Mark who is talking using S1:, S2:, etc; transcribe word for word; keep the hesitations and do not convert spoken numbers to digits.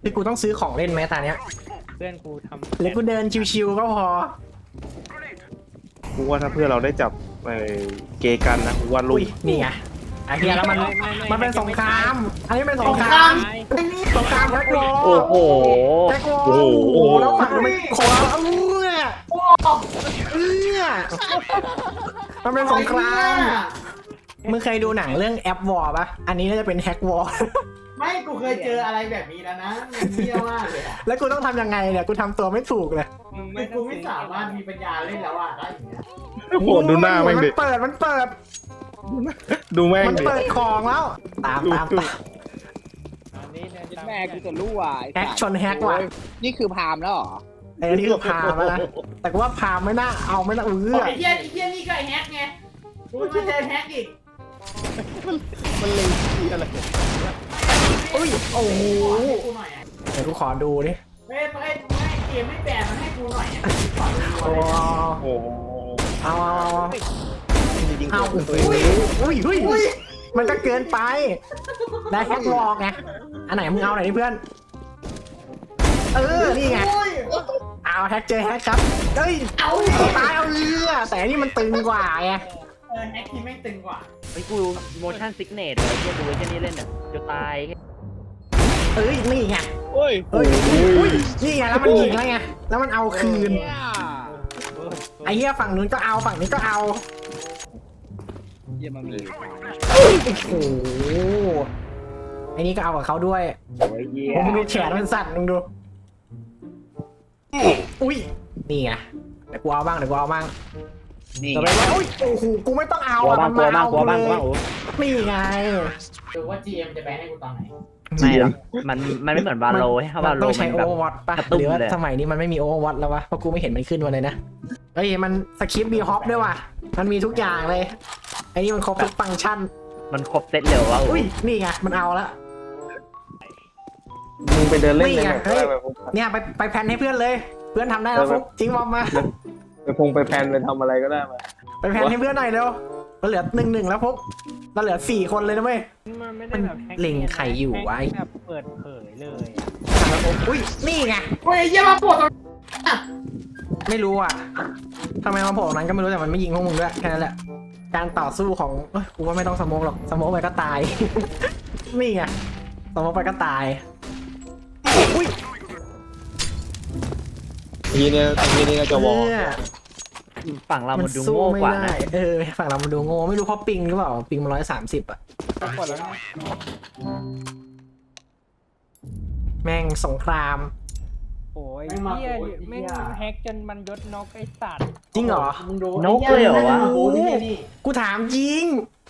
S1: คือกูต้องซื้อของเล่นไหมตาเนี้ย
S2: เพื่อนกูทำ
S1: หรือกูเดินชิวๆก็พอ
S3: กูว่าถ้าเพื่อนเราได้จับไอ้เกกันนะกูว่าลุ
S1: อุ้
S3: ย
S1: ยนี่ไงไอ้เหี้ยแล้วมันมันเป็นสงครามอันนี้เป็นสงครามสงครามแท็กโล
S3: โอ้โห
S1: แท็กโล
S3: โอ้โห
S1: แล้วฝั่งมันขอเอาเนี่ยเนี่ยมันเป็นสงครามมึงเคยดูหนังเรื่องแอปวอร์ปะอันนี้น่าจะเป็นแฮกวอร์
S4: ไม่กูเคยเจออะไรแบบนี้แล้วนะมันเที่ยวมากเลยอะ
S1: แล้วกูต้องทำยังไงเนี่ยกูทำตัวไม่ถูกเลย
S2: มึง
S4: คื
S2: ไม่
S4: อกูไม่สามารถมีปัญญาเล่นแล้วอ่ะได้อย่างเงี้ย
S3: โอ้โหดูหน้าแม่งดิ
S1: มันเปิดมันเปิด
S3: ดูแม่ง
S1: มัน
S3: ดิ
S1: เปิดของแล้ว ตามตามตาม
S2: อันนี้เนี่ย
S5: แม่กูจะรู้ว่ะไอ้
S1: แฮก
S5: สัตว์
S1: ชนแฮกว่ะ
S5: นี่คือพามแล้วเหรอ
S1: ไอ้นี่คือพามแล้วนะแต่กูว่าพามไม่น่าเอาไม่น่าเอื้อ
S4: ไอ้เหี้ยไอ้เหี้ยนี่ก็ไอ้แฮกไงกูมาเจอแฮกอีก
S3: มันเลยที่อะไร
S1: อุ้ยโอ้โห
S4: ให้กูหน่อยอะ
S1: เดี๋ยวกูขอดูดิ
S4: เฮ้ยไม่ไม่เกมไม่แบนมันให้กูหน่อยอะขอดู
S1: โอ้
S4: เลย
S3: โอ้โห
S1: เอาเอาเอา
S3: จริงๆ
S1: เอา
S3: ตัว
S1: อุ้ย
S3: เอง
S1: อุ้ยอุ้ยอุ้ยมันก็เกินไปได้แฮกวอล์กไงอันไหนมึงเอาไหนดิเพื่อนเออนี่ไง
S4: โอ้ย
S1: เอาแฮกเจอแฮกครับเฮ้ย
S4: เอาดิ
S1: ตายเอาเรือแต่อันนี่มันตึงกว่าไง
S4: เออแฮกที่แม่งตึงกว่า
S6: ไอ้กู motion sickness เลยที่ดูไอ้เจ้านี่เล่นอ่ะจะตาย
S1: เอ้ยนี่ไง
S5: เฮ้ย
S1: เฮ้ยอุ้ยนี่ไงแล้วมันยิงแล้วไงแล้วมันเอาคืน
S5: เนี่ย
S1: ไอ้เหี้ยฝั่งนู้นก็เอาฝั่งนี้ก็เอา
S5: เยี่ยมมันมี
S1: โอ้โหไอ้นี่ก็เอากับเขาด้วย
S6: โอ้ยเหี้ย
S1: มึงดูแขนมันสั่นมึงดูอุ้ยนี่ไงเดี๋ยวกูเอาบ้างเดี๋ยวกูเอาบ้าง
S5: นี่
S1: ต่อไปว่าอุ้ยโอ้โหกูไม่ต้องเอา
S6: กลัว
S1: อะ
S6: บ้าง
S1: มัน
S6: กลัว
S1: มา
S6: บ้าง
S1: เอา
S6: กลัวบ้างกลัวบ้างโอ้
S1: นี่ไง
S4: ดูว่า จี เอ็ม จะแบนให้กูตอนไหน
S6: ไม่หรอกมันมันไม่เหมือนวาโลให้วาโล
S1: ต้อง
S6: มั
S1: ใช้
S6: น
S1: โอ
S6: แบบ
S1: เวอร์วอตป่ะ
S6: กระตุ้น
S1: หรือว่า
S6: เลย
S1: สมัยนี้มันไม่มีโอเวอร์วอตแล้ววะเพราะกูไม่เห็นมันขึ้นมาเลยนะเฮ้ยมันสคริปต์มีฮอปด้วยว่ะมันมีทุกอย่างเลยไอ้นี่มันครบทุกฟังก์ชัน
S6: มันครบเซตเร็ววะ
S1: อุ้ยนี่ไงมันเอาละ
S3: มึงไปเดินเล่น
S1: นี่
S3: ใน
S1: ไง
S3: แบบ
S1: เฮ้ย
S3: แบบ
S1: เนี่ยไปไปแพนให้เพื่อนเลย เพื่อนทำได้แล้วฟุกทิ้งบอมมา
S3: ไปพงไปแพนไปทำอะไรก็ได้มา
S1: ไปแพนให้เพื่อนหน่อยเร็วเราเหลือหนึ่งหนึ่งแล้วฟุกเราเหลือสี่คนเลยนะเว้ย
S2: มันไม่ได้แบบแฮก
S1: เล็งไข่อยู่ไว้
S2: แบบเปิดเผยเลย
S1: อุ้ยนี่ไง
S4: โอ้ยไอ้เหี้ยมาปวดตรง
S1: ไม่รู้อ่ะทำไมมาโผล่ตรงนั้นก็ไม่รู้แต่มันไม่ยิงพวกมึงด้วยแค่นั้นแหละการต่อสู้ของเอ้ยกูว่าไม่ต้องสโมกหรอกสโมกไปก็ตาย นี่ไงสโมกไปก็ตายอุ้ย
S3: ทีเนี้ยทีนี้ก็จะวอล
S1: เนี่ย
S6: ฝั่งเรามันดู
S1: สู้
S6: โง่
S1: ไม่
S6: กว่า
S1: ได้
S6: นะ
S1: เออฝั่งเรามันดูโง่ไม่รู้เพราะปิงหรือเปล่าปิงมันร้อยสามสิบอ่ะ
S2: กดแล้วนะ
S1: แม่งสงคราม
S2: โอ้ยเหี้ยแม่งแฮกจนมันยศน็อกไอ้สัตว์
S1: จริงเหรอ
S4: มึงดู
S6: นกเลยเหรอวะ
S4: โอ้โหนี่นี่
S1: กูถามจริง